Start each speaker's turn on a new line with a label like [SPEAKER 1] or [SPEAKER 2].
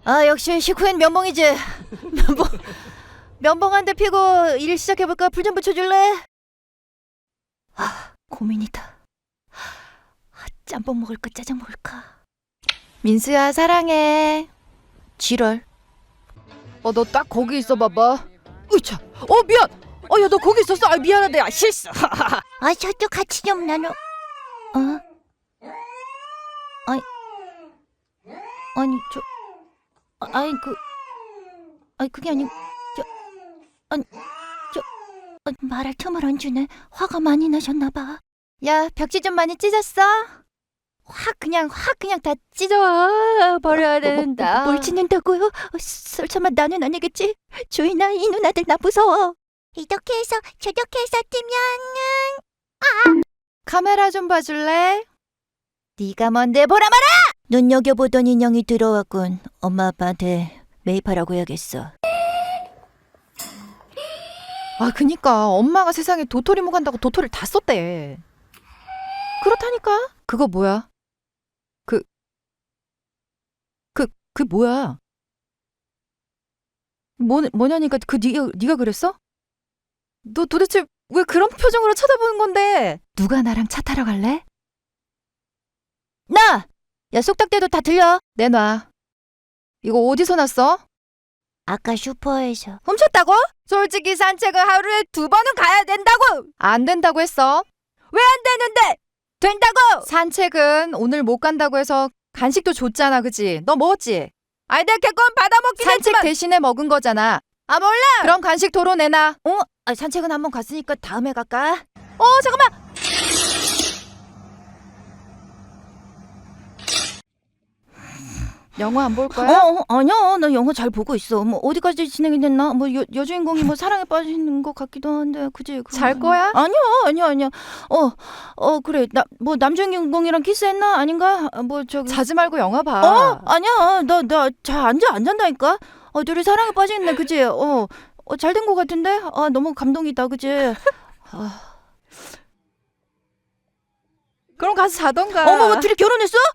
[SPEAKER 1] 아 역시 식후엔 면봉이지. 면봉 한 대 피고 일 시작해볼까? 불 좀 붙여줄래? 아 고민이다. 짬뽕 먹을까 짜장 먹을까? 민수야 사랑해. 지랄.
[SPEAKER 2] 너 딱 거기 있어 봐봐. 으차. 미안. 야 너 거기 있었어. 미안하다. 야 실수.
[SPEAKER 1] 아 저도 같이 좀 나눠. 아니 저 그게 아니 말할 틈을 안 주네. 화가 많이 나셨나 봐. 야 벽지 좀 많이 찢었어? 확 그냥 다 찢어 버려야 된다. 뭘 찢는다고요? 설마 나는 아니겠지? 주인아 이 누나들 나 무서워. 이렇게 해서 저렇게 해서 뜨면은 카메라 좀 봐줄래? 네가 뭔데 보라 마라! 눈여겨보던 인형이 들어왔군. 엄마 아빠한테 매입하라고 해야겠어.
[SPEAKER 2] 그니까 엄마가 세상에 도토리 묵 한다고 도토리를 다 썼대. 그렇다니까. 그거 뭐야? 그 뭐야? 뭐냐니까 네가 그랬어? 너 도대체 왜 그런 표정으로 쳐다보는 건데? 누가 나랑 차 타러 갈래?
[SPEAKER 1] 나! 야 쏙닥대도 다 들려.
[SPEAKER 2] 내놔. 이거 어디서 났어?
[SPEAKER 1] 아까 슈퍼에서.
[SPEAKER 2] 훔쳤다고? 솔직히 산책은 하루에 2번은 가야 된다고! 안 된다고 했어. 왜 안 되는데? 된다고! 산책은 오늘 못 간다고 해서 간식도 줬잖아, 그치? 너 먹었지? 내가 개건 받아먹긴 산책 했지만 대신에 먹은 거잖아. 몰라! 그럼 간식 도로 내놔.
[SPEAKER 1] 산책은 한번 갔으니까 다음에 갈까?
[SPEAKER 2] 잠깐만! 영화 안 볼 거야?
[SPEAKER 1] 아니야. 나 영화 잘 보고 있어. 뭐 어디까지 진행이 됐나? 뭐 여주인공이 뭐 사랑에 빠지는 것 같기도 한데, 그지?
[SPEAKER 2] 잘 거야?
[SPEAKER 1] 아니야. 그래. 뭐 남주인공이랑 키스했나? 아닌가? 뭐 저기.
[SPEAKER 2] 자지 말고 영화 봐.
[SPEAKER 1] 아니야. 나 잘 안 잔다니까. 둘이 사랑에 빠지겠네, 그지? 잘 된 것 같은데? 너무 감동이다, 그지?
[SPEAKER 2] 그럼 가서 자던가.
[SPEAKER 1] 뭐 둘이 결혼했어?